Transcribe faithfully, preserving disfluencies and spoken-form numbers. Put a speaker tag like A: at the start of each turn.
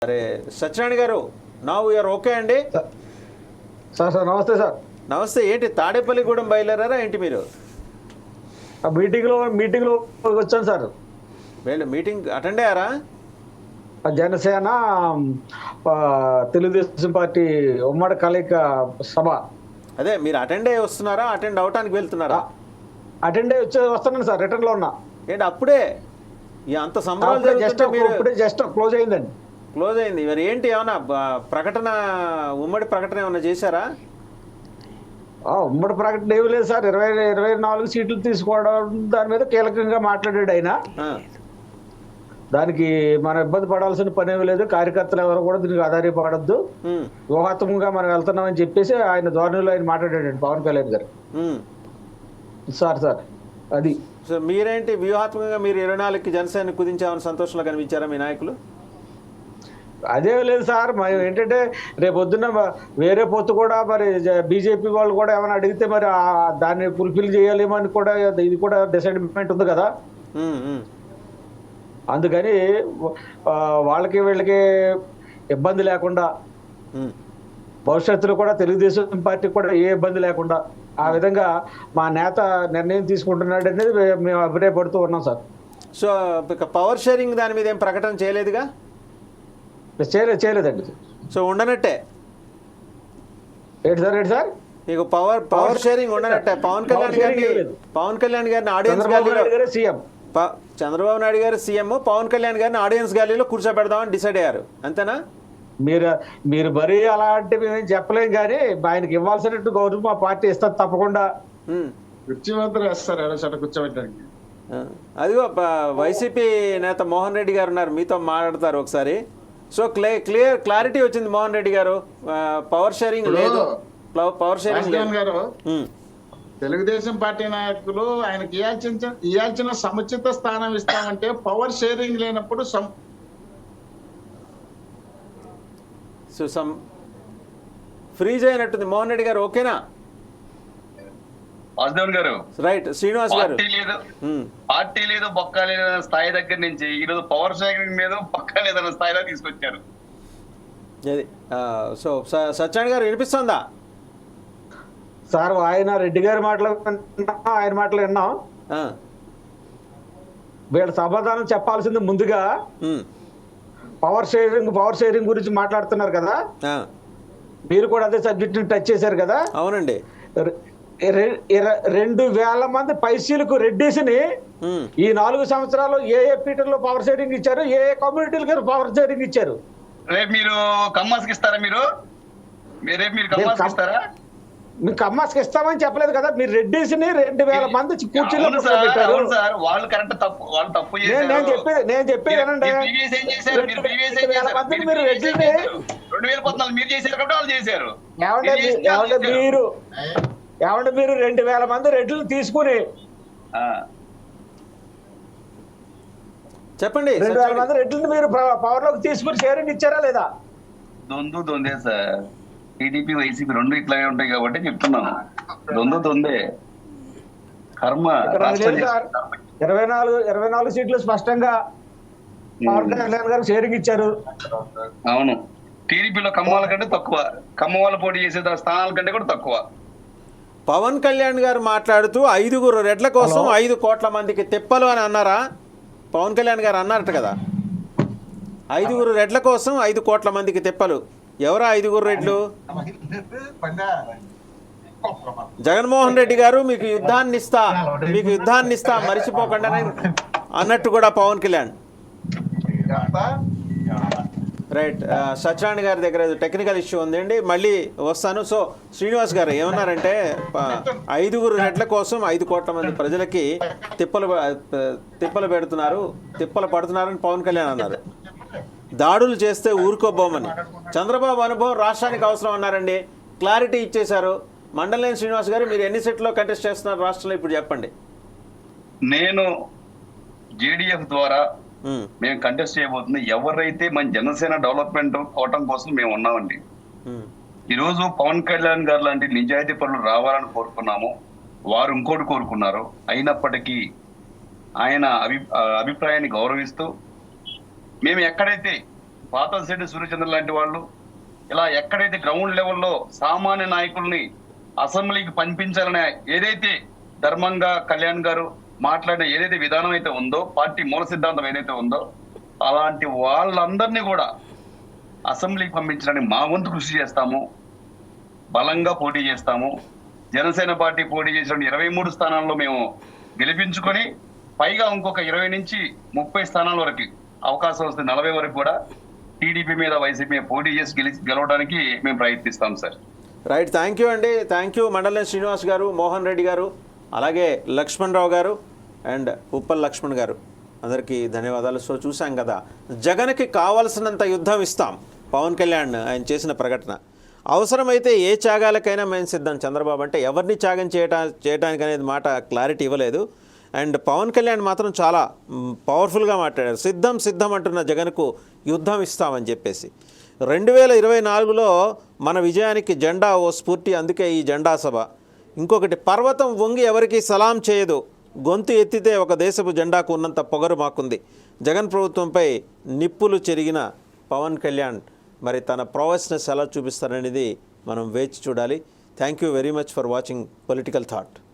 A: అరే Satyanarayana garu, now you are okay అండి?
B: Sir sir నమస్తే సార్.
A: నమస్తే. ఏంటి తాడేపల్లిగూడెం బయలుదేరారా ఏంటి మీరు?
B: మీటింగ్లో మీటింగ్లో వచ్చాను సార్.
A: వీళ్ళు మీటింగ్ అటెండ్ అయ్యారా?
B: జనసేన తెలుగుదేశం పార్టీ ఉమ్మడి కలయిక సభ.
A: అదే మీరు అటెండ్ అయ్యి వస్తున్నారా, అటెండ్ అవటానికి వెళ్తున్నారా?
B: అటెండ్ అయ్యి వచ్చే వస్తున్నాను సార్, రిటర్న్లో ఉన్నా.
A: ఏంటి అప్పుడే ఈ అంత సంబరాలు
B: జస్ట్ ఇప్పుడే జస్ట్ క్లోజ్ అయిందండి.
A: క్లోజ్ అయింది. మరి ఏంటి ఏమన్నా ప్రకటన, ఉమ్మడి ప్రకటన ఏమన్నా చేశారా?
B: ఉమ్మడి ప్రకటన ఏమి లేదు సార్. ఇరవై ఇరవై నాలుగు సీట్లు తీసుకోవడం దాని మీద కీలకంగా మాట్లాడాడు ఆయన. దానికి మనం ఇబ్బంది పడాల్సిన పని ఏమి లేదు. కార్యకర్తలు ఎవరు కూడా దీనికి ఆధారపడద్దు, వ్యూహాత్మకంగా మనం వెళ్తున్నామని చెప్పేసి ఆయన ధోరణిలో ఆయన మాట్లాడాడు పవన్ కళ్యాణ్ గారు. సార్ సార్ అది
A: సో మీరేంటి వ్యూహాత్మకంగా మీరు ఇరవై నాలుగుకి జనసేన కుదించామని సంతోషంలో కనిపించారా మీ నాయకులు?
B: అదే లేదు సార్. మరి ఏంటంటే రేపు పొద్దున్న వేరే పొత్తు కూడా మరి బీజేపీ వాళ్ళు కూడా ఏమైనా అడిగితే మరి దాన్ని ఫుల్ఫిల్ చేయాలేమో అని కూడా ఇది కూడా డిసైడ్మెంట్ ఉంది కదా. అందుకని వాళ్ళకి వీళ్ళకి ఇబ్బంది లేకుండా, భవిష్యత్తులో కూడా తెలుగుదేశం పార్టీకి కూడా ఏ ఇబ్బంది లేకుండా ఆ విధంగా మా నేత నిర్ణయం తీసుకుంటున్నాడు అనేది మేము అభిప్రాయపడుతూ ఉన్నాం సార్.
A: సో పవర్ షేరింగ్ దాని మీద ఏం ప్రకటన చేయలేదుగా?
B: చేయలేదు చేయలేదండి.
A: సో ఉండనట్టే
B: ఏంటి సార్ ఏంటి సార్
A: మీకు పవర్ పవర్ షేరింగ్ ఉండనట్టే. పవన్ కళ్యాణ్ గారిని పవన్ కళ్యాణ్ గారిని ఆడియన్స్ గ్యాలరీలో
B: సీఎం
A: చంద్రబాబు నాయుడు గారు సీఎం, పవన్ కళ్యాణ్ గారిని ఆడియన్స్ గ్యాలరీలో కూర్చోబెడదామని డిసైడ్ అయ్యారు, అంతేనా?
B: మీరు మీరు మరీ అలాంటివి మేము చెప్పలేం, కానీ ఆయనకి ఇవ్వాల్సినట్టు గౌరవం మా పార్టీ ఇస్తారు తప్పకుండా. కూర్చోబెట్టడానికి
A: అదిగో వైసీపీ నేత మోహన్ రెడ్డి గారు ఉన్నారు, మీతో మాట్లాడతారు ఒకసారి. సో క్లియర్ క్లియర్ క్లారిటీ వచ్చింది మోహన్ రెడ్డి గారు, పవర్ షేరింగ్ లేదు. Power sharing
C: garu Telugu Desam party నాయకులు ఆయనకి ఇవ్వాల్సిన ఇవ్వాల్సిన సముచిత స్థానం ఇస్తామంటే పవర్ షేరింగ్ లేనప్పుడు
A: సో సమ్ ఫ్రీజ్ అయినట్టుంది. మోహన్ రెడ్డి గారు ఓకేనా?
D: వాసుదేవన్ గారు
A: రైట్. శ్రీనివాస్ గారు
D: లేదు పార్టీ లేదు బొక్క లేదన్న స్థాయి దగ్గర నుంచి ఈరోజు పవర్ షేరింగ్ మీద బొక్క లేదన్న స్థాయిలో తీసుకొచ్చారు.
A: అది సో సత్యనారాయణ గారు వినిపిస్తుందా
B: సార్? ఆయన రెడ్డి గారి మాటలు ఆయన మాటలు విన్నాం. వీళ్ళ సమాధానం చెప్పాల్సింది ముందుగా పవర్ షేరింగ్ పవర్ షేరింగ్ గురించి మాట్లాడుతున్నారు కదా, మీరు కూడా అదే సబ్జెక్ట్ టచ్ చేశారు కదా.
A: అవునండి.
B: రెండు వేల మంది పైసీలకు రెడ్డిస్ని ఈ నాలుగు సంవత్సరాలు ఏ ఏ పీటర్లో పవర్ షేరింగ్ ఇచ్చారు, ఏ ఏ కమ్యూనిటీలకు పవర్ షేరింగ్ ఇచ్చారు?
D: రేపు మీరు కమ్మాస్కి ఇస్తారా? మీరు రేపు మీరు కమ్మాస్కి ఇస్తారా?
B: మీరు కమ్మాస్కి ఇస్తామని చెప్పలేదు కదా. మీరు రెడ్డిస్ని రెండు వేల మంది కూర్చీలో పెట్టారు.
D: వాళ్ళు కరెక్ట్ తప్పు, వాళ్ళు తప్పు.
B: నేను చెప్పేది నేను చెప్పేది ఏనండి, మీరు రెడ్డిని
D: రెండు వేల పద్నాలుగు మీరు చేశారు కాబట్టి వాళ్ళు చేశారు.
B: ఏమంటే మీరు ఏమంటే మీరు రెండు వేల మంది రెడ్లు తీసుకుని
A: చెప్పండి,
B: రెండు వేల మంది రెడ్లను మీరు పవర్ లోకి తీసుకుని షేరింగ్ ఇచ్చారా లేదా?
D: దొందు దొందే సార్. టీడీపీ వైసీపీ రెండు ఇట్లాగే ఉంటాయి కాబట్టి చెప్తున్నాను. దొందు దొందే కర్మ.
B: ఇరవై నాలుగు ఇరవై నాలుగు సీట్లు స్పష్టంగా పవన్ కళ్యాణ్ గారు షేరింగ్ ఇచ్చారు.
D: అవును, టీడీపీలో కమ్మవాళ్ళ కంటే తక్కువ, కమ్మ వాళ్ళు పోటీ చేసే స్థానాల కంటే కూడా తక్కువ.
A: పవన్ కళ్యాణ్ గారు మాట్లాడుతూ ఐదుగురు రెడ్ల కోసం ఐదు కోట్ల మందికి తిప్పలు అని అన్నారా? పవన్ కళ్యాణ్ గారు అన్నారట కదా, ఐదుగురు రెడ్ల కోసం ఐదు కోట్ల మందికి తిప్పలు. ఎవరా ఐదుగురు రెడ్లు? జగన్మోహన్ రెడ్డి గారు మీకు యుద్ధాన్ని ఇస్తా మీకు యుద్ధాన్ని ఇస్తా మరిచిపోకుండా అన్నట్టు కూడా పవన్ కళ్యాణ్. రైట్. సత్యనారాయణ గారి దగ్గర టెక్నికల్ ఇష్యూ ఉందండి, మళ్ళీ వస్తాను. సో శ్రీనివాస్ గారు ఏమన్నారంటే ఐదుగురు రెడ్ల కోసం ఐదు కోట్ల మంది ప్రజలకి తిప్పలు తిప్పలు పెడుతున్నారు తిప్పలు పడుతున్నారని పవన్ కళ్యాణ్ అన్నారు. దాడులు చేస్తే ఊరుకోబోమని. చంద్రబాబు అనుభవం రాష్ట్రానికి అవసరం అన్నారండి, క్లారిటీ ఇచ్చేశారు. మండలేని శ్రీనివాస్ గారు, మీరు ఎన్ని సెట్లో కంటెస్ట్ చేస్తున్నారు రాష్ట్రంలో ఇప్పుడు చెప్పండి.
D: నేను జేడీఎఫ్ ద్వారా మేము కంటెస్ట్ చేయబోతుంది ఎవరైతే మన జనసేన డెవలప్మెంట్ అవటం కోసం మేము ఉన్నామండి. ఈరోజు పవన్ కళ్యాణ్ గారు లాంటి నిజాయితీ పనులు రావాలని కోరుకున్నాము, వారు ఇంకోటి కోరుకున్నారు. అయినప్పటికీ ఆయన అభి అభిప్రాయాన్ని గౌరవిస్తూ మేము ఎక్కడైతే పాతంశెట్టి సూర్యచంద్ర లాంటి వాళ్ళు ఇలా ఎక్కడైతే గ్రౌండ్ లెవెల్లో సామాన్య నాయకుల్ని అసెంబ్లీకి పంపించాలనే ఏదైతే ధర్మంగా కళ్యాణ్ గారు మాట్లాడిన ఏదైతే విధానం అయితే ఉందో, పార్టీ మూల సిద్ధాంతం ఏదైతే ఉందో, అలాంటి వాళ్ళందరినీ కూడా అసెంబ్లీకి పంపించడానికి మా వంతు కృషి చేస్తాము, బలంగా పోటీ చేస్తాము. జనసేన పార్టీ పోటీ చేసిన ఇరవై మూడు స్థానాల్లో మేము గెలిపించుకొని పైగా ఇంకొక ఇరవై నుంచి ముప్పై స్థానాల వరకు అవకాశం వస్తే నలభై వరకు కూడా టీడీపీ మీద వైసీపీ మీద పోటీ చేసి గెలి గెలవడానికి మేము ప్రయత్నిస్తాం సార్.
A: రైట్, థ్యాంక్ యూ అండి. థ్యాంక్ యూ మండలం శ్రీనివాస్ గారు, మోహన్ రెడ్డి గారు, అలాగే లక్ష్మణ్ రావు గారు అండ్ ఉప్పల్ లక్ష్మణ్ గారు, అందరికీ ధన్యవాదాలు. సో చూసాం కదా, జగన్కి కావాల్సినంత యుద్ధం ఇస్తాం పవన్ కళ్యాణ్ ఆయన చేసిన ప్రకటన. అవసరమైతే ఏ త్యాగాలకైనా మేము సిద్ధం. చంద్రబాబు అంటే ఎవరిని త్యాగం చేయటా చేయడానికి అనేది మాట క్లారిటీ ఇవ్వలేదు. అండ్ పవన్ కళ్యాణ్ మాత్రం చాలా పవర్ఫుల్గా మాట్లాడారు. సిద్ధం సిద్ధం అంటున్న జగన్కు యుద్ధం ఇస్తామని చెప్పేసి. రెండు వేల ఇరవై నాలుగులో మన విజయానికి జెండా ఓ స్ఫూర్తి, అందుకే ఈ జెండా సభ. ఇంకొకటి, పర్వతం వంగి ఎవరికి సలాం చేయదు, గొంతు ఎత్తితే ఒక దేశపు జెండాకు ఉన్నంత పొగరు మాకుంది. జగన్ ప్రభుత్వంపై నిప్పులు చెరిగిన పవన్ కళ్యాణ్ మరి తన ప్రొవెస్నెస్ ఎలా చూపిస్తారనేది మనం వేచి చూడాలి. Thank you very much for watching political thought.